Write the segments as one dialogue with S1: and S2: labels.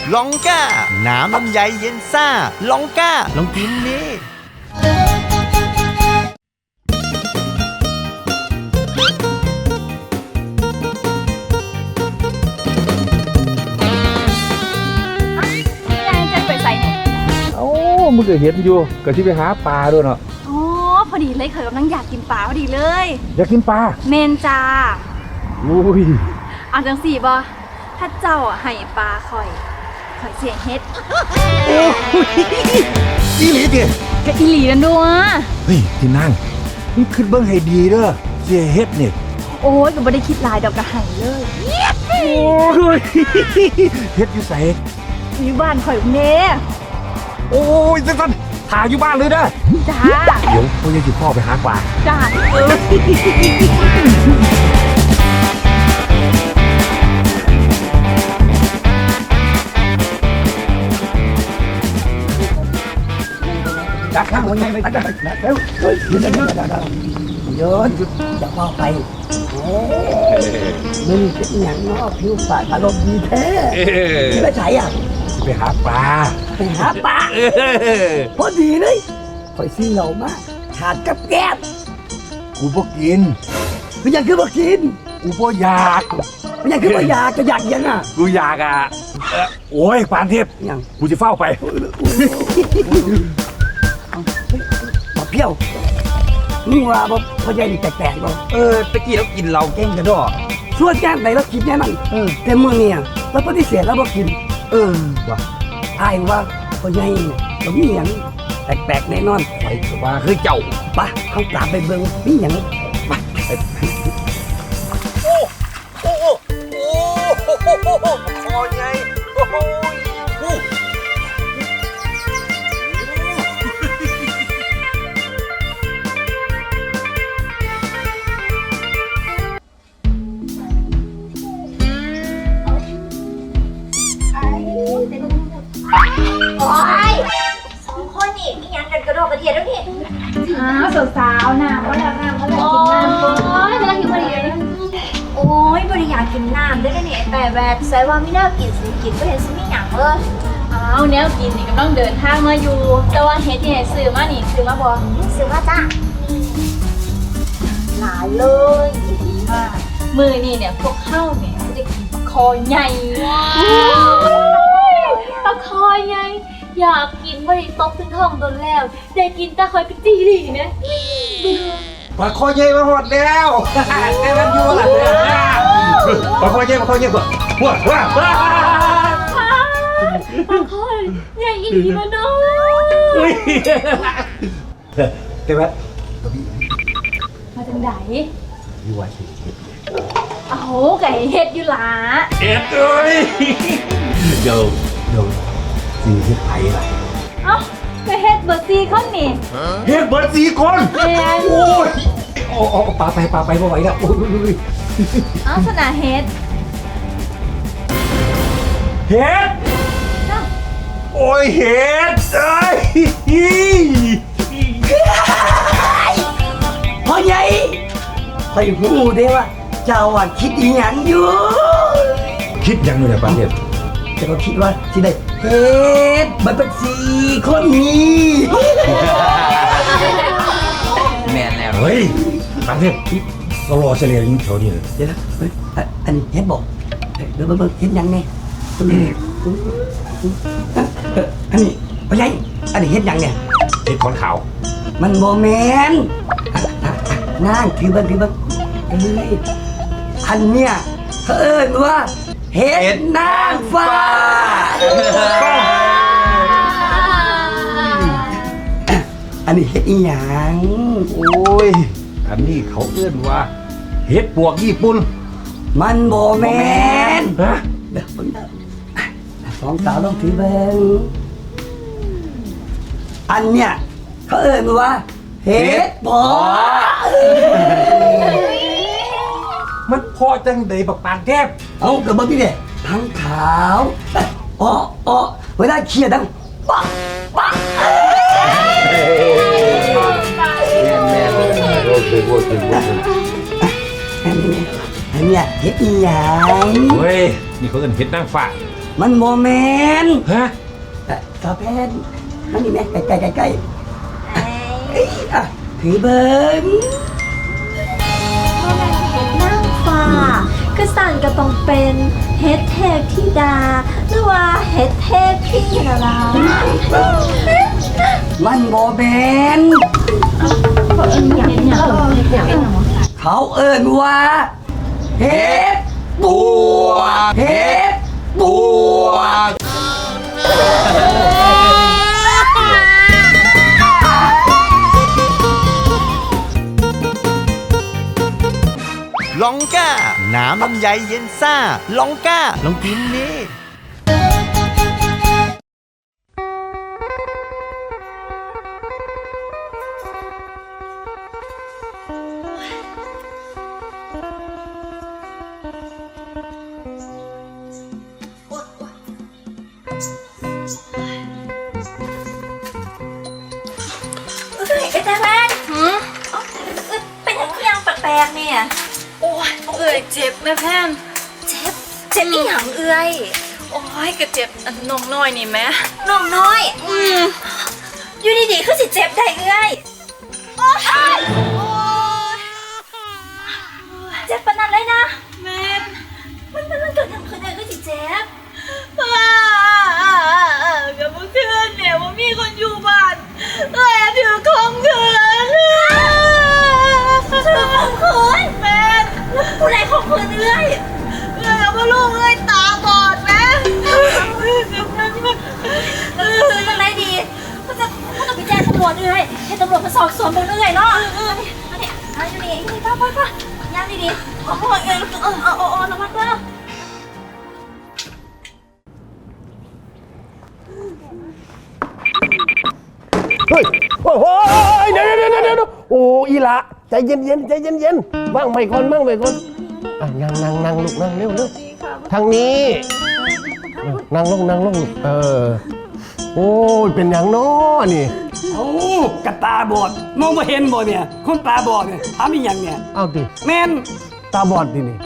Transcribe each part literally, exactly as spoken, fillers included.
S1: ลองก้าน้ำลำไยเย็นซ่าลองก้าลองกินนี่
S2: เอ้ามึงก็เห็นอยู่ก็ที่ไปหาปลาด้วยเนาะ
S3: อ๋อพอดีเลยเคยกำลังอยากกินปลาพอดีเลย
S2: อยากกินปลา
S3: เมนจ้า
S2: อุ้ย
S3: เอาจังสี่บอถ้าเจ้าอ่ะให้ปลาข่อยข่อยเสียเฮ็ด
S1: โอ้ยอีหลีดิ
S3: ก็อีหลีนั่นด้วย
S2: เฮ้ยที่นั่งมึงขึ้นเบิ้งให้ดีเด้อเสียเฮ็ดนี่
S3: โอ้ยก็ไม่ได้คิดหลายดอกกระไห้เลย
S2: โอ้ยเฮ็ดอยู่ใส่
S3: อยู่บ้านข่อยเน่
S2: โอ้ยสั้นๆถ่ายอยู่บ้านเลยเด้อ
S3: จ้า
S2: เดี๋ยวพ่อยังจิพ่อไปหาปลา
S3: จ้า
S4: จักข้างวันยังไม่ได้เร็วเฮ้ยยืนยืนยืนยืนจะว่าไปมึงเป็นอย่างนอกผิวปากอารมณ์ดีแท้ไม่ใช่อ่ะ
S2: ไปหาปลา
S4: ไปหาปลาพอดีเลยคอยซื้อเหล่ามาขาดกับแก้ม
S2: กูบ่กิน
S4: ไม่อยากคือบ่กิน
S2: กูบ่อยาก
S4: ไม่อยากคือบ่อยากจะอยากยังอ่ะ
S2: กูอยากอ่ะโอ้ยปานเทพ
S4: ยัง
S2: กูจะเฝ้าไป
S4: มาเพี้ยวนี่ว่าบ่พ่อใหญ่นี่แปลกๆบ่
S1: เออตะกี้เรากินเราแกงกระดอ
S4: ส่วนแก้มไหนเรากินแน่นอนแต่มื้อนี้เราปฏิเสธแล้วบ่กิน
S2: เออ
S4: ว่าอายว่าพ่อใหญ่เนี่ยบ่มีหยังแปลกๆแน่นอน
S2: ไปว่าคือเจ้า
S4: ปะเฮาตามไปเบิ่งมีหยังไป
S1: โอ้โอ้โอ้โอ้คอใหญ่โอ้โห
S5: โอ้ยสองคนนี่มียังกันกระโดดกระเทียมแล้วนี่
S3: อ้าวสาวๆน้ำก็แล้วน้ำก็แล้วกินน้ำโอ้ยกำลังหิวพอดีเลย
S5: โอ้ยบริยากกินน้ำได้เลยเนี่ยแต่แบบใส่ว่าไม่น่ากินสิกินก็เห็นสิมีหยังเลย
S3: อ้าวแนวกินนี่กำลังเดินทางมาอยู่แต่ว่าเฮ็ดที่ไหนซื้อมานี่ซื้อมาบ่
S5: ซื้อมาจ้าหลายเลย
S3: ดีมากมือนี่เนี่ยพวกเข้าเนี่ยจะได้กินปลาคอใหญ่ปลาคอใหญ่อยากกินไม่ได้ตกถึงท้องโดนแล้วได้กินตาคอยเป็นจีรีเนี่ย
S1: ปลาคอใหญ่มาหมดแล้วแค่นั้นอยู่ละปลาคอใหญ่ปลาคอใหญ่กว่าว้าวว้าว
S3: ปลาคอใหญ่อีกมาเนาะ
S2: แต่ว่า
S3: มาจังไหน
S2: อยู่ว่าสิ
S3: โอ้โหไก่เฮ็ดอยู่หลา
S2: เอ็ดเอ้ยเดี๋ยวเดี๋ยวสีเฮ็ดไผ่ล่ะ
S3: เอ้าไปเฮ็ดเบอร์ซีคนนี่
S2: เฮ็ดเบิร์ดสี่คนโอ้ยโอ้โอ้ปลาไปปลาไปบ่ไหวแล้วโอ้ย
S3: เอ้าสนาเฮ็ด
S2: เฮ็ดโอ้ยเฮ็ดเอ้ย
S4: พ่อใหญ่คอยหูได้ว่าเจ้าอ่ะคิดอีหยังอยู่
S2: คิดยังเลยนะป้าเทพ
S4: แต่ก็คิดว่าที่ได้เฮ็ดมันเป็นสี่คนนี้
S1: แม่นแล้ว
S2: เฮ้ยป้าเทพเรารอเฉลี่ยอยู่แถวนี้เลย
S4: เดี๋ยวนะเฮ้ยอันนี้เฮ็ดบอกเดี๋ยวเบิ่งเฮ็ดยังไงอันนี้พ่อใหญ่อันนี้เฮ็ดยังเนี่ย
S2: เฮ็ดขอนขาว
S4: มันโมเมนต์นั่งถือเบิ้งถือเบิ้งเอ้ยอันเนี้ยเขาเอิ้นว่าเห็ดนางฟ้าอันนี้เห็ดอีหยัง
S2: โอ้ยอันนี้เขาเอิ้นว่าเห็ดปวกญี่ปุ่น
S4: มันโมเมนต์
S2: ฮะ
S4: เดี๋ยวเบิ้งสองสาวลองถือเบิ้งอันเนี้ยเขาเอิ้นว่าเห็ดพอ
S2: มันพอจังใดบักปานแทบ
S4: เอากระบอกนี่เนี่ยทั้งขาวอ้ออ้อเวลาเคี่ยดังปักปัก
S2: แม่เลยโอเคโอเคโอเค
S4: อันนี้อันนี้เห็ดอีหยัง
S2: เฮ้ยนี่เขาเอิ้นเห็ดนางฟ้า
S4: มันโมเมน
S2: ฮะ
S4: สาวแพนมันนี่แม่ใกล้ใกล้ใกล้ใกล้อ่ะถือเบิ้ง
S5: พ่อแม่เฮ็ดนั่งฟ้าก็สั่นก็ต้องเป็นเฮ็ดเทพธิดาหรือว่าเฮ็ดเทพพี่นะล่ะ
S4: มันโมเมนเขาเอิ้นว่าเฮ็ดบัวเฮ็ดบัว
S6: ลองก้า น้ำลำไยเย็นซ่า ลองก้า ลองกินนี่
S5: เอ้ยไอ้แต่แม่หืมเป็นอย่างเงี้ยงแปลกๆเนี่ย
S7: โอ้ยเอื่อยเจ็บแม่แพน
S5: เจ็บเจ็บอีหยังเอ้ย
S7: โอ้ยก็เจ็บอันนมน้อยนี่แม่
S5: น้องน้อยอืมอยู่ดีๆคือสิเจ็บได้เอ้ยโอ้ยเจ็บปานนั้นเลยนะ
S7: แม่
S5: มันมันมันเกิดทำคืนเลยก็สิเจ็บ
S7: กับเมื่อคืนเนี่ยว่ามีคนอยู่บ้านเอ้ยถือของคืน
S5: ถือของคืน
S7: แม่
S5: แล้วผู้ใดของคืนเอ้ย
S7: เอ้ยเอามาลูกเอ้ยตาบอดแม่
S5: คืนอะไรดีก็จะก็ต้องไปแจ้งตำรวจเอ้ยให้ตำรวจมาสอบสวนเบิ่งเอ้ยเนาะอันนี้อันนี้อันนี้นี่ป้าป้าป้าย่างดีๆโอ้โหเอ้ยเออเออเออระวังเด้อ
S8: เฮ้ยโอ้โหเดี๋ยวเดี๋ยวเดี๋ยวเดี๋ยวโอ้อีละใจเย็นเย็นใจเย็นเย็นว่างไปก่อนว่างไปก่อนอ่ะนั่งนั่งนั่งลูกนั่งเร็วเร็วทางนี้นั่งลงนั่งลงเออโอ้ยเป็นอย่างน้อนี่
S4: โอ้กระตาบอดมองไม่เห็นบ่เนี่ยคนตาบอดเนี่ยทำอีหยังเนี่ย
S8: เอาดิ
S4: แม่น
S8: ตาบอดดินี่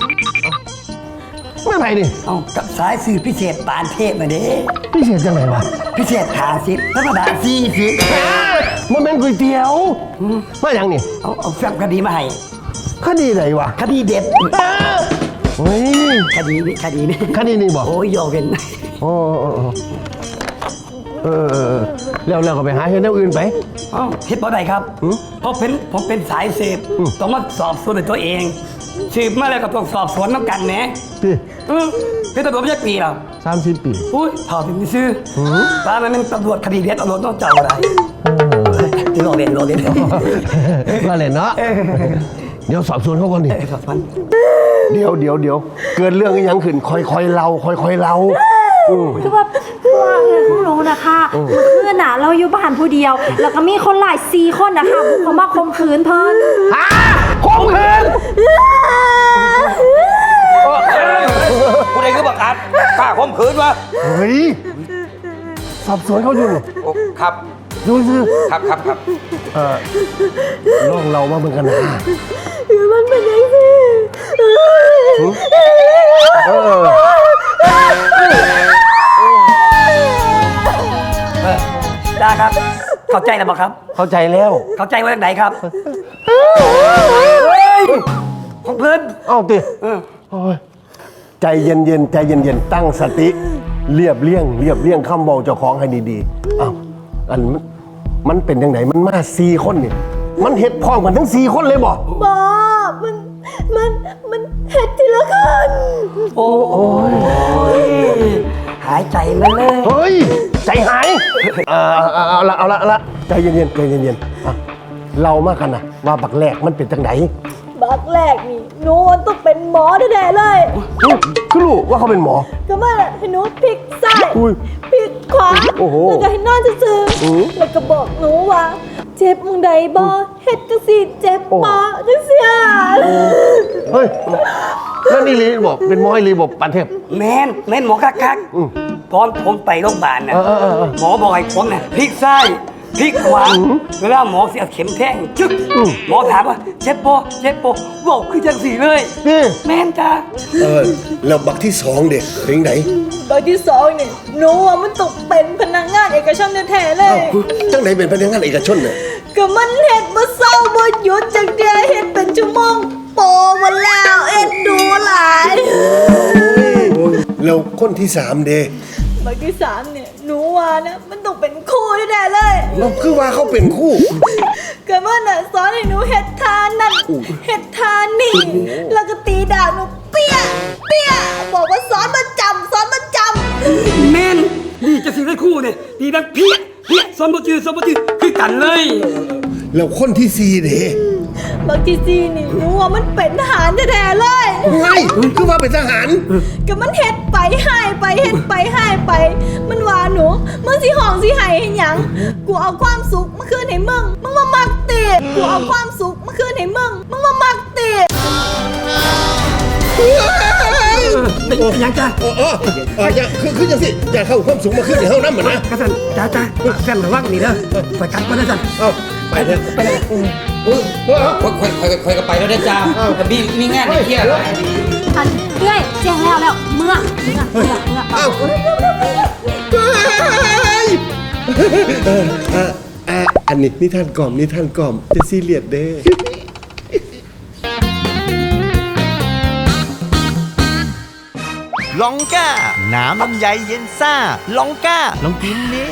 S8: เมื่อไหร่นี่
S4: เอากับสายสื่อพิเศษปานเทพมาเด้
S8: พี่เสียจังไหนวะ
S4: พิเศษหาสิบธรรมดาสี่สิบ
S8: มันเป็นก๋วยเตี๋ยวมาอย่างนี่
S4: เอาเอาแฟ้มคดีมาให้
S8: คดีไหนวะ
S4: คดีเด็ด
S8: เฮ้ย
S4: คดีนี้คดีนี้
S8: คดีนี่บอก
S4: โอ้ยโยเวน
S8: โอ้โอ้โอ้เออเออเออแล้วแล้วก็ไปหาเฮ็ดแนวอื่นไป
S4: เอ้าเฮ็ดบ่ได้ครับ
S8: หือ
S4: เพราะเป็นผมเป็นสายเสพ
S8: อืม
S4: ต้องมาสอบสวนด้วยตัวเองสืบมาแล้วก็ต้องสอบสวนน้ำกันแหม
S8: พี่
S4: เออเป็นตำรวจไม่ใช่ปีหรอก
S8: สามสิบปี
S4: อุ้ยเท่าถึงซื้อ
S8: หือ
S4: ป้ามันเป็นตำรวจคดีเด็ดเอารถต้องเจ้าอะไรรอเรียนรอเรียน
S8: ว่าเลยเนาะเดี๋ยวสอบสวนเขาก่อนดิ
S4: สอบสวน
S8: เดี๋ยวเดี๋ยวเดี๋ยวเกิดเรื่องอีหยังขึ้นคอยคอยเล่าคอยคอยเล่าอืม
S9: คือว่าคือว่าเงินผู้รู้นะคะเมื่อคืนน่ะเราอยู่บ้านผู้เดียว แล้วก็มีคนหลายสี่คนนะคะบุกเข้ามาข่มขืนเพิ่น
S8: ฮะข่มขืน
S2: ผู้ใดคือบังอาจกล้าข่มขืนวะ
S8: เฮ้ยสอบสวนเขาอยู่นี่
S2: โอ้ครับ
S8: ดูสิ
S2: ครับครับครับ
S8: เออลองเรามาเหมือนกันนะ
S9: มันเป็นยังไง
S8: เออ
S4: ได้ครับ เข้าใจแล้วบ่ครับ
S8: เข้าใจแล้ว
S4: เข้าใจว่าอย่างไหนครับของเพื่อน
S8: เอ้าติโอ้ยใจเย็นเย็นๆใจเย็นเย็นๆตั้งสติ เรียบเลี่ยง เรียบเลี่ยงคำเบาเจ้าของให้ดีๆเอ้าอันมันมันเป็นยังไงมันมาสี่คนนี่มันเห็ดพร้อมกันทั้งสี่คนเลยบ่
S9: บอมันมันมันเห็ดทีละคน
S4: โอ้โอ้ยหายใจมาเลย
S8: เฮ้ย ใจหาย เออเอาเอาเอาละเอาละเอาละใจเย็นๆใจเย็นๆอ่ะเรามากันนะว่าบักแรกมันเป็นจังไหน
S9: บักแรกนี่หนูมันต้องเป็นหมอแน่ๆเลย
S8: อุ๊ยคือรู้ว่าเขาเป็นหมอ
S9: ก็มาให้หนูพลิกซ้าย
S8: อุ้ย
S9: พลิกขวา
S8: โอ้โห
S9: แล้วก็ให้นอนซื่อ
S8: อือ
S9: ๆแล้วก็บอกหนูว่า เจ็บมึงใดบอเฮ็ดจังสิเจ็บปอจังเสีย
S8: เฮ้ยนั่นนี่ลีบอกเป็นหมอไอลีบอกปันเทพ
S4: แมนแมนหมอคักคัก
S8: อืม
S4: ตอนผมไปโรงพยาบาลน่ะ
S8: เออเออเออ
S4: หมอบอกให้ผมน่ะพลิกซ้ายพลิกขวาเวลาหมอเสียบเข็มแทงจึ๊กหมอถามว่าเจ็บปะเจ็บปะบอกคือจังสีเลยแม่นจ้า
S8: เออแล้วบักที่สองเด็กเป็นไหน
S7: ใบที่สองนี่หนูว่ามันตกเป็นพนักงานเอกชนแท้ๆเลย
S8: จังไหนเป็นพนักงานเอกชนเนี่ย
S7: ก็มันเห็ดบ่เศร้าบ่หยุดจังเดียวเห็ดเป็นชั่วโมงโปมาแล้วเอ็ดดูหลาย
S8: แล้วคนที่สามเด็ก
S7: ใบที่สามเนี่ยหนูว่านะมันต้องเป็นคู่แน่ๆเลย
S8: เราคือว่าเขาเป็นคู่
S7: ก็มันน่ะสอนให้หนูเห็ดทานนั่นเห็ดทานนี่แล้วก็ตีดาบหนูเปี้ยเปี้ยบอกว่าสอนมาจำสอนมาจำ
S4: แม่นนี่จะสิได้คู่เนี่ยดีดังเพี้ยเพี้ยสมบูรณ์สมบูรณ์คือกันเลย
S8: แล้วคนที่สี่เด็ก
S7: บางทีซีนี่หนูว่ามันเป็นทหารแท้ๆเลย
S8: ไงคือว่าเป็นทหาร
S7: ก็มันเฮ็ดไปหายไปเฮ็ดไปหายไป มันว่าหนูมึงสิห้องสิไห้ให้หยังกูเอาความสุขมาคืนให้มึงมึงมามักติกูเอาความสุขมาคืนให้มึงมึงมามักติ
S4: เป็นยังจ้า
S8: เออเออเอออย่าคือคือจังสิอย่าเข้าความสูงมาขึ้นในเฮาน้ำเหมือนนะ
S4: กระสันจ้าจ้าแฟนระวังนี่เด้อไปกันก็ได้จ้ะ
S8: เอ้าไปเถอะไปเลย
S1: ค่อยค่อยค่อยค่อยก็ไปแล้วได้จ้ามีมีงานในเครียดอะไร
S9: อันเอ้ยแจ้งแล้วแล้วเมื่อเมื่อเมื่อเมื่อ
S8: เอ้าเออเออเอออันนี้นิทานกล่อมนิทานกล่อมจะซีเรียสเด้
S6: ลองก้า น้ำลำไยเย็นซ่า ลองก้า ลองกินนี่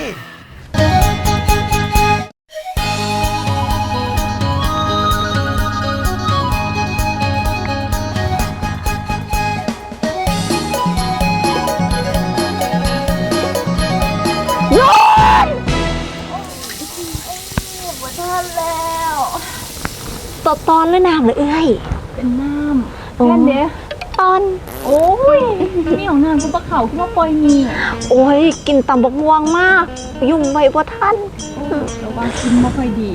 S9: ตอนตอนหรือน้ำหรือเอ้ยเป็นน้ำแค่เนี้ยตอนโอ้ยนี่ของน้ำกูปลาเขาขึ้นมาปล่อยนี่โอ้ยกินตำบกม่วงมากยุ่งไว้บ่ทันแต่ว่ากินไม่ค่อยดี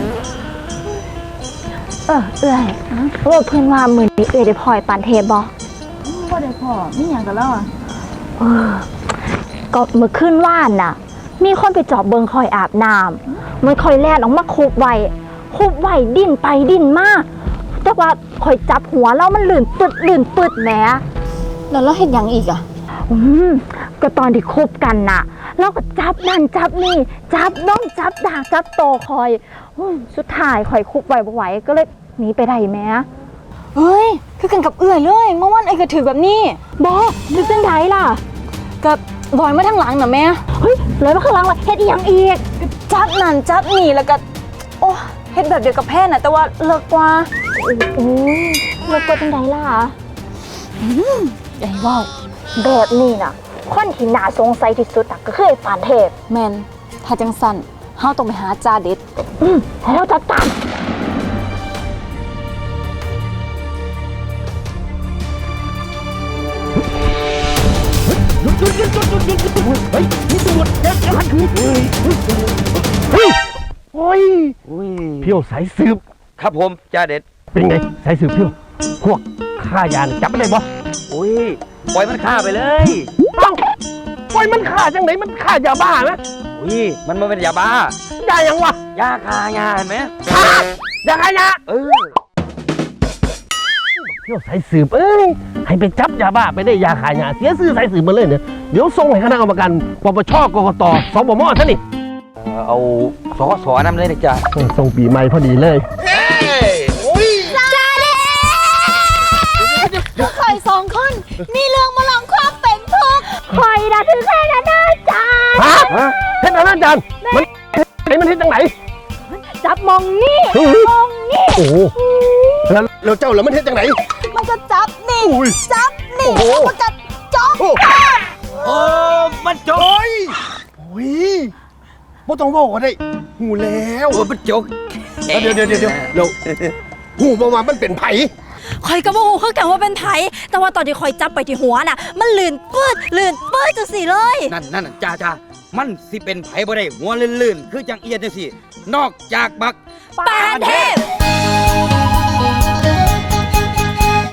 S9: เออเอ้ยว่าเพื่อนว่ามือนี้เอ้ยได้พลอยปานเทพบ่บ่ได้พอมีอย่างกันแล้วอ่ะเออก็เมื่อคืนว่านน่ะมีคนไปจอบเบิงคอยอาบน้ำมันคอยแล่นออกมาคุบไว้คุบไว้ดิ้นไปดิ้นมาแต่ว่าคอยจับหัวแล้วมันลื่นปึดลื่นปึดแหมแล้วเราเห็นยังอีกอ่ะอืมก็ตอนที่คุบกันน่ะเราก็จับนั่นจับนี่จับน้องจับดากจับโตคอยอสุดท้ายคอยคุบไว้บ่ไหวก็เลยหนีไปได้แหมเฮ้ยคือกันกับเอื้อยเลยเมื่อวานไอ้ก็ถือแบบนี้บอถือจังไดล่ะกับลอยมาทางหลังน่ะแม่เฮ้ยลอยมาข้างหลังล่ะเฮ็ดอีหยังอีกจับนั่นจับนี่แล้วก็โอ้เฮ็ดแบบเดียวกับแพทย์น่ะแต่ว่าเลิกกว่าโอ้ยเลิกกว่าจังไดล่ะอืมใหญ่ว้าวแบบนี้น่ะคนที่น่าสงสัยที่สุดน่ะก็คือไอ้ฝานเทพแม่นถ้าจังสั่นเฮาต้องไปหาจ่าเด็ดอืมให้เราจัดการ
S8: โอ้ยเพียวสายสืบ
S2: ครับผมจ่าเด็ด
S8: เป็นไงสายสืบเพียวพวกฆ่ายาน่ะจับไม่ได้บ่
S2: อุ้ยปล่อยมันฆ่าไปเลย
S8: เอ้าปล่อยมันฆ่าจังไหนมันฆ่ายาบ้าไหม
S2: อุ้ยมันมาเป็นยาบ้าย
S8: ายังวะ
S2: ยาฆ่ายาเห็นไหม
S8: ฆ่ายาฆ่ายา
S2: เออ
S8: เพียวสายสืบเอ้ยให้ไปจับยาบ้าไปได้ยาขายยาเสียชื่อสายสืบมาเลยเนี่ยเดี๋ยวส่งให้คณะกรรมการปปชกกตสบมท่านนี่
S2: เอาสอสอนำเลยนะจ๊ะ
S8: ส่งปีใหม่พอดีเลย
S3: คอยสองคนมีเรื่องมาลองความเป็นทุกข์คอยนะถึงแค่นั้นนะจ๊ะ
S8: ฮะเฮ็ดอะไรอาจารย์มันไหนมันเฮ็ดจังไหน
S3: จับมองนี่มองนี่
S8: โอ้โหแล้วแล้วเจ้าแล้วมันเฮ็ดจังไหน
S3: มันก็จับนี่
S8: อุ้ย
S3: จับนี่
S8: โอ้โห
S3: แล้วมันก็จ๊อก
S8: โอ้
S2: โอ้มันจก
S8: โอ้ยโอ้ยบ่ต้องบอกก็ได้หูแล้ว
S2: โอ้มันจก
S8: เดี๋ยวเดี๋ยวเดี๋ยวเดี๋ยวเราหูบ่ว่ามันเป็นไผ
S9: คอยกระโมโหคือกันว่าเป็นไผแต่ว่าตอนที่คอยจับไปที่หัวน่ะมันลื่นปืดลื่นปืดจังสิเลย
S2: นั่นนั่นจ้าจ้ามันสิเป็นไผบ่ได้หัวลื่นๆคือจังเอียดจังสินอกจากบัก
S9: ปานเทพ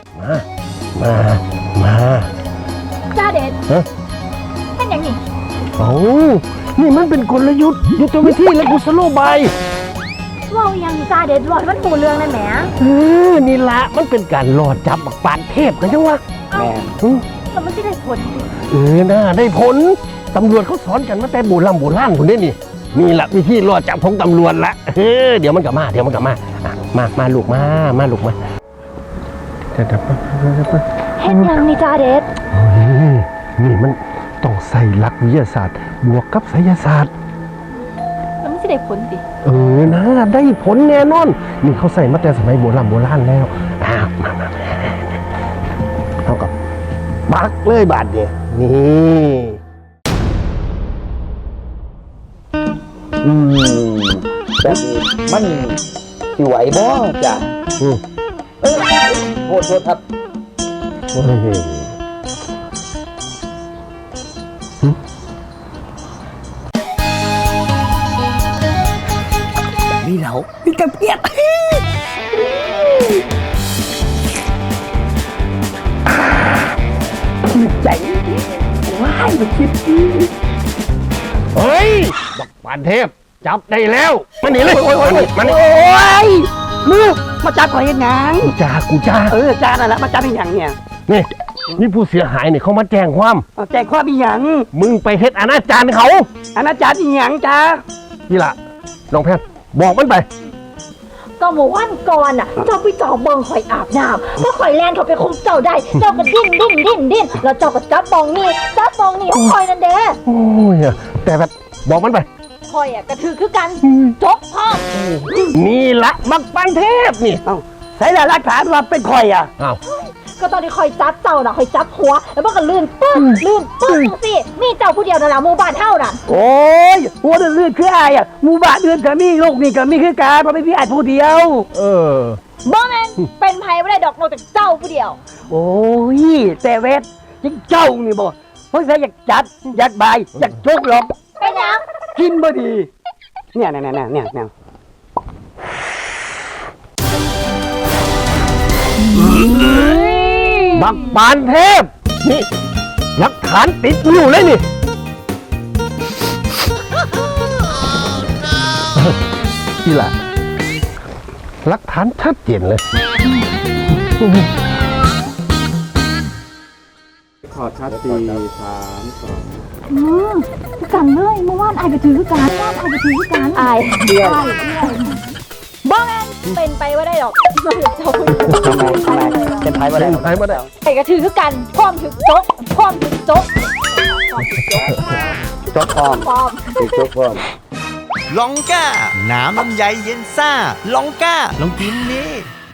S8: มา มา มา
S3: จ้าเด็ด
S8: ฮะ
S3: เป็นอย่างนี้
S8: เอ้านี่มันเป็นกลยุทธ์ยุทธวิธีและกุศโลบาย
S9: เว่ายังจ้าเด็ดรอดมันหูเรื่องนั่นแหม
S8: เออนี่ละมันเป็นการหลอดจับบักปานเทพกันจังวะ
S4: แม่
S8: อืม
S9: แล้วมันจะได้ผลดิ
S8: เออน่าได้ผลตำรวจเขาสอนกันมาแต่โบราณโบราณคนนี้นี่นี่แหละวิธีหลอดจับของตำรวจละเออเดี๋ยวมันกลับมาเดี๋ยวมันกลับมาอ่ะมามาลูกมามาลูกมาเดี๋ยวเดี๋ยวเดี๋ยวเดี๋ยว
S9: เห็นยังนี่จ้าเด็ด
S8: เฮ้ยนี่มันต้องใส่หลักวิทยาศาสตร์บวกกับไสยศาสตร์
S9: แล้วมันจะได้ผลดิ
S8: เออนะได้ผลแน่นอนนี่เขาใส่มาแต่สมัยโบราณโบราณแล้วอ้าวมามาเท่ากับบักเลยบาทเดียวนี่อืมแบบนี้มันสิไหวบ่จ้ะอืมเออโทษโทษครับโอ้ย
S4: มีเหลามีกระเพียดใจว้ายมาคิด
S8: เฮ้ยบักปานเทพจับได้แล้วมาหนีเลย
S4: โอ้ยโอ้ยโอ้ย
S8: มาหนี
S4: โอ้ยมือมาจับข่อยเห็นหยัง
S8: กูจ้ากูจ้า
S4: เออจ้านั่นแหละมาจับเป็นหยังเนี่ย
S8: นี่นี่ผู้เสียหายเนี่ยเขามาแจ้งความ
S4: เอาแจ้งความเป็นหยัง
S8: มึงไปเฮ็ดอนาจารเขา
S4: อนาจารเป็นหยังจ้า
S8: นี่ล่ะน้องแพทย์บอกมันไป
S9: ก็เมื่อวันก่อนน่ะ เจ้าไปจ่อเบิงข่อยอาบน้ำก็ข่อยแลนเขาไปคุมเจ้าได้ เจ้าก็ดิ้นดิ้นดิ้นดิ้นแล้วเจ้าก็จับบองนี่จับบองนี่ของข่อยนั่นเด้
S8: โอ้ยแต่แบบบอกมันไป
S9: ข่อยอ่ะกระถือคือกันจกพ่อ
S8: นี่ละบักปานเทพนี่
S4: เอ้าใส่หลักฐานว่าเป็นข่อยอ่ะ
S8: อ้าว
S9: ก็ตอนที่ข่อยจับเจ้าน่ะข่อยจับหัว แล้วมันก็ลื่นปึ้งลื่นปึ้งสิมีเจ้าผู้เดียวนั่นล่ะหมู่บ้านเฮาน่ะ
S4: โอ้ยหัวเดือดคืออายอ่ะหมู่บ้านเดือดก็มีโลกนี่ก็มีคือการเพราะไม่มีอายผู้เดียว
S8: เออ
S9: บ่แม่นเป็นไผบ่ได้ดอกนอกจากเจ้าผู้เดียว
S4: โอ้ยแต่เวทจิงเจ้านี่บ่เพราะฉะนั้นอยากจัดอยากบายอยากโชคหรอก
S9: เป็นหยัง
S4: กินบ่ดี เนี่ยเนี่ยเนี่ยเนี่ยเนี่ย
S8: บักปานเทพนี่หลักฐานติดอยู่เลยนี่นี่ล่ะหลักฐานชัดเจนเลย
S1: ขอชัดสี่สามสอง
S9: อืมคือกันเลยเมื่อวานอายก็ถือคือกันเมื่อวานอายก็ถือคือกันอายเดียวบ่แม่นเป็นไปบ่ได้ดอกเจ้าผู้เดียว
S4: ทำไมทำไมเป็นไทยบ่ได้
S8: ไทยมาได้
S9: ไอ้ก็ถือคือกันพร้อมถึกจกพร้อมถึกจก
S4: จบพร้อม
S9: พร้อม
S4: ติดจบพร้อม
S6: ลองก้า น้ำลำไยเย็นซ่า ลองก้า ลองกินนี่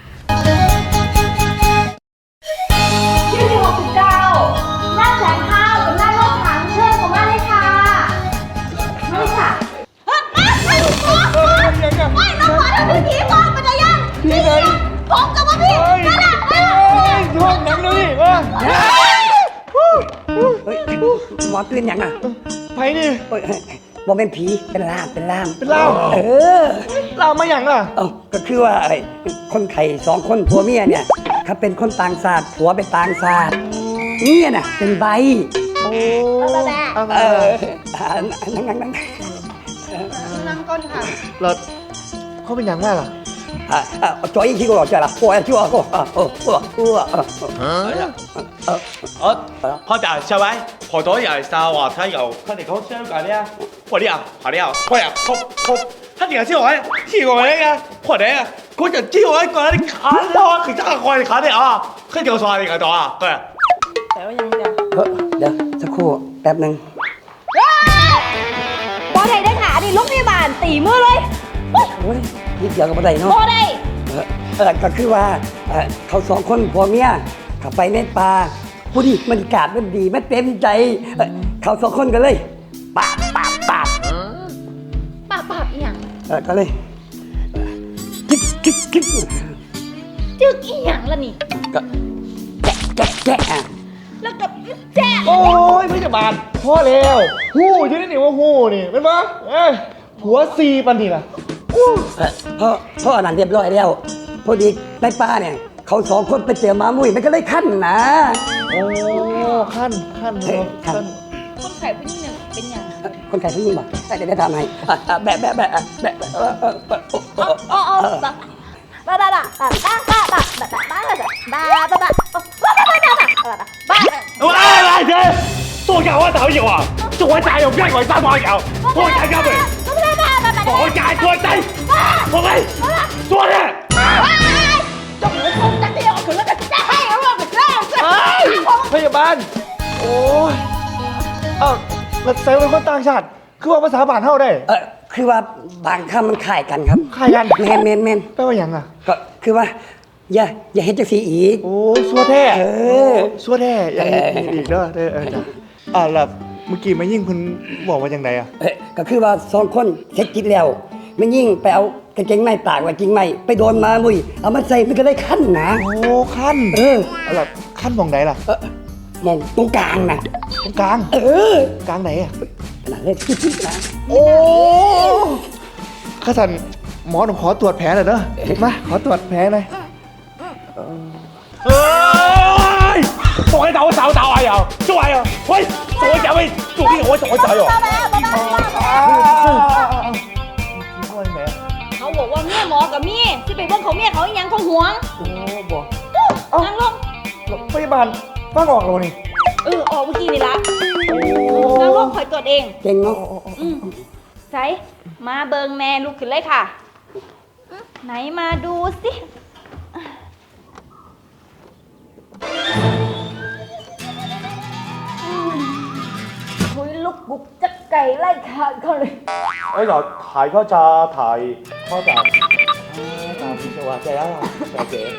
S3: ที่หกสิบเก้าหน้าแสงข้าวกับหน้าโลกถังเชิญผมมาเลยค่ะมาเลยค่ะไม่เราขอทำเป็นผีมองมันจะยังผีไหนผมกับว่าพี่นั่นแหละนั่นแหละ
S4: เฮ้ยหมอตื่นยังอ่ะ
S10: ไผนี่
S4: เฮ้ยบอกเป็นผีเป็นล่ามเป็นล่าม
S10: เป็นล่าม
S4: เออ
S10: เรามาอย่างล่ะ
S4: เอ้าก็คือว่าไอ้คนไข่สองคนผัวเมียเนี่ยเขาเป็นคนต่างชาติผัวเป็นต่างชาติเนี่ยน่ะเป็นใบ
S10: โอ้
S4: เอออ่านั่งนั่งนั่ง
S10: เราเขาเป็นอย่างไรล่ะ
S4: อ่าอ่าจอยขี้กูหรอจ้ะล่ะโอ้ยชั่วกูอ่าโอ้โหโอ้โหเออเออ
S11: 我我打下位，好多人沙話睇又，佢哋講香港啲啊，我啲啊，我啲啊，我呀，我我，佢哋知我知我呢個，我哋啊，佢就知我一個啲卡咯，佢真係我哋卡啲啊，佢叫我哋個度啊，對。
S4: เฮ้ยเดี๋ยวสักครู่แป๊บหนึ่ง
S9: บ่ได้ได้ขาดิลูกพยาบาลตีมือเลย
S4: โอ้ยนิดเดียวก็บ่ได้เนาะ
S9: บ่ได้
S4: เออเออก็คือว่าเอ่อเขาสองคนผัวเมียเขาไปในป่าผู้ดีบรรยากาศมันดีมันเต็มใจเอ่อเขาสองคนกันเลยปาดปาดปาด
S9: ปากปากอีหยัง
S4: เออก็เลยเอ่อกิ๊กกิ๊กกิ๊ก
S9: จึกอีหยังล่ะนี่
S4: ก็แจ๊ะแจ๊ะแจ๊ะอ่ะ
S9: แล้วก็แจ๊ะ
S10: โอ้ยพยาบาลพ่อแล้วหู้อยู่นี่นี่ว่าหู้นี่เป็นปะเอ้ยผัวซีปันนี่ล่ะ
S4: เอ่อเพราะเพราะอันนั้นเรียบร้อยแล้วพอดีในป่าเนี่ยเขาสองคนไปเจอหมามุ้ยมันก็เลยขั้นนะ
S10: โอ้ขั้นขั้น
S4: เออขั้น
S10: ขั้น
S3: คนไข้ผู้หญิงเนี่ยเป็นหยัง
S4: คนไข้ผู้หญิงบอกเดี๋ยวได้ทำให้อ่ะอ่ะแบะแบะแบะแบะเออเออเออโอ้โอ้
S3: อ๋ออ๋อบ้าบ้าบ้าบ้าบ้าบ้าบ้าบ้าบ้าบ้าบ้าบ้าบ้าบ้าบ้าบ้าบ้าบ้า
S10: 喂嚟者，多教我頭要啊！做我仔用邊個三把油？我仔交俾，我仔我仔，我咪，做咧。พยาบาลโอ้ยเอ้าแล้วใส่เป็นคนต่างชาติคือว่าภาษาบ้านเฮาได้
S4: เออคือว่าบางคำมันคล้ายกันครับ
S10: คล้ายกัน
S4: แมนแมนแมน
S10: แปลว่าหยังอ่ะ
S4: ก็คือว่า อย่าอย่าเห็นจังสีอีก
S10: โอ้ซัวแท้
S4: เออ
S10: ซัวแท้อย่างนี้อีกเด้อเด้อเออจ้ะอ่าแล้วเมื่อกี้มายิ่งเพิ่นบอกว่าจังไดอ่ะ
S4: เอ้ยก็คือว่าสองคนเซ็กกินแล้วมันยิ่งไปเอากางเกงในตากไว้จริงไหมไปโดนมามุยเอามาใส่มันก็ได้ขั้นนะ
S10: โอ้ขั้น
S4: เออ
S10: แล้วขั้นมองไหนล่ะ
S4: เออมองตรงกลางนะ
S10: ตรงกลาง
S4: เออก
S10: ลางไหนอ่ะ
S4: ขนาดเล็กจิ๊บๆนะ
S10: โอ้ข้าสันหมอต้องขอตรวจแผลหน่อยเด้อมาขอตรวจแผลหน่อยเอ้ย做喺度手打啊又，做啊又，喂，做咗喂，做啲我做咗仔喎。
S3: เขาบอกว่าเมียหมอกับเมียที่ไปเบิ่งของเมียเขาอีหยังเขาหวง
S10: โอ้บอก
S3: นั่งลง
S10: พยาบาลฟังออกแล้วนี่
S3: เออออกเมื่อกี้นี่ละนั่งลงคอยตรวจเอง
S4: เก่งเนาะ
S3: อืมใส่มาเบิงแม่ลุกขึ้นเลยค่ะ ไหนมาดูสิคุยลุกบุกจักไก่ไล่ขาดเขาเลย
S10: ไอ้หลอดถ่ายเขาจะถ่ายเขาจะถ่ายพิศวาใจแล้วใจเก๋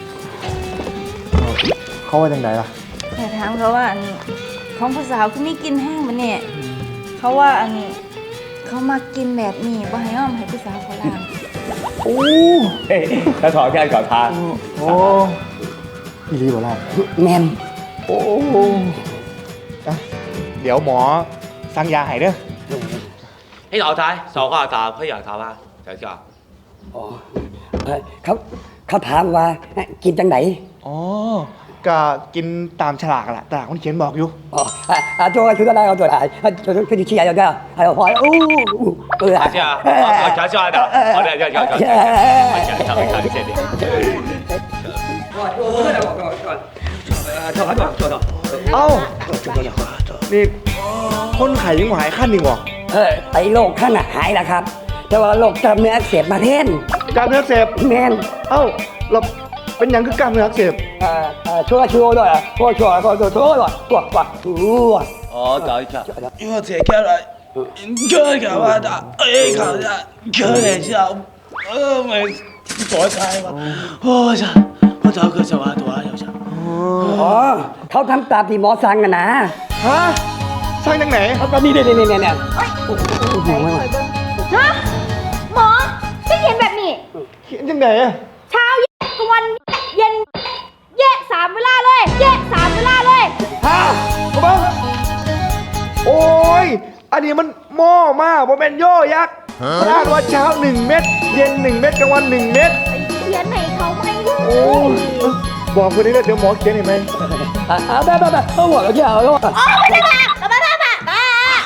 S10: เขาว่าจังไดล่ะ
S5: แต่ถามเขาว่าอันของผู้สาวคือมีกินแห้งมันเนี่ยเขาว่าอันนี้เขามากินแบบนี้บ่ให้อ้อมให้ผู้สาวเขาล้าง
S10: โอ้
S11: ถ้าถอดแค่ขอทาน
S10: โอ้อีรีบอล่ะ
S4: แมน
S10: โอ้อ่ะเดี๋ยวหมอสั่งยาให้เด้อ
S11: ให้เราทายสองข้อตาเพื่ออยากทำว่าเดี๋ยวจะ
S4: อ๋อเอ้ยเขาเขาถามว่ากินจังไหน
S10: อ๋อก็กินตามฉลากแหละแต่คนเขียนบอกอยู่
S4: อ๋ออ่ะอ่ะ做ชุดอะไรเอาตัวไหนอ่ะชุดชุดที่ใหญ่เดียว还有พออู้เออ
S11: เจ้าเจ้าเจ้าเจ้าเอาเดี๋ยวเดี๋ยวเดี๋ยวเดี๋ยวเดี๋ยวเดี๋ยวเดี๋ยวเดี๋ยวเดี๋ยว
S10: เอ้านี่คนไข้ยังหายขั้นอีกเหรอ
S4: เออไอ้โรคขั้นน่ะหายแล้วครับ แต่ว่าโรคกล้ามเนื้ออักเสบมาแทน
S10: กล้ามเนื้ออักเสพ
S4: แมน
S10: เอ้าเราเป็นหยังคือกล้ามเนื้ออักเสบ
S4: เอ่อเอ่อช่วยช่วยด้วยช่วยช่วยช่วยช่วยช่วยกว่ากว่าอู้ว
S11: 哦，搞一下，因为这看来，看看我的，哎，看下，看一下，呃，没躲开嘛，我操，我找个小娃躲一下。
S4: อ๋อเขาทำตามที่หมอสั่งนะนะ
S10: ฮะสร้างจากไหน
S4: เขาก็นี่นี่นี่นี่เนี่ยโอ้โห
S3: ฮะหมอที่เขียนแบบนี้
S10: เขียนจากไหนอะ
S3: เช้าเย็นกลางวันเย็นแยะสามเวลาเลยแยะสามเวลาเลย
S10: ฮะกูบ้างโอ้ยอันนี้มันหม้อมากผมเป็นโย่ยักษ์มันอ่านว่าเช้าหนึ่งเม็ดเย็นหนึ่งเม็ดกลางวันหนึ่งเม็ด
S3: เขียนไหนเขาไม่รู้
S10: โอ้ยบอกคนนี้เลยเดี๋ยวหมอเขียนเห็นไหม
S4: อ่าแบบแบบแบบเอาหัวเราเกี่ยวเอาหัว
S3: อ๋อไม่ได้บ้าบ้าบ้าบ้าบ้า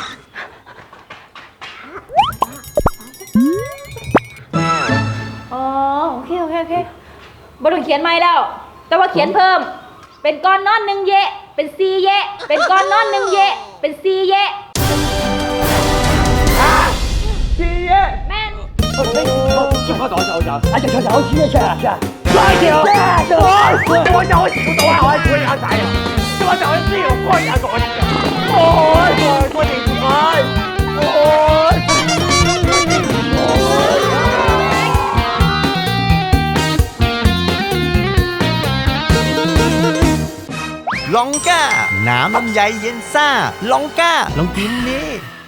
S3: อ๋อโอเคโอเคโอเคบต้องเขียนไม่แล้ว แต่ว่าเขียนเพิ่ม เป็นก้อนนอนหนึ่งเยะเป็นซีเยะเป็นก้อนนอนหนึ่งเยะเป็นซีเยะ
S10: พี่เย่
S3: แม่น
S11: 就快走走走。
S4: 啊，这这这，谢谢谢。
S10: 快点！我我有我我我我有仔啊！我就知道我有個仔。โอ้ยโอ้ยคนอีกโอ้ยโอ้ย
S6: ลองก้า น้ำลำไยเย็นซ่า ลองก้า ลองกินนี่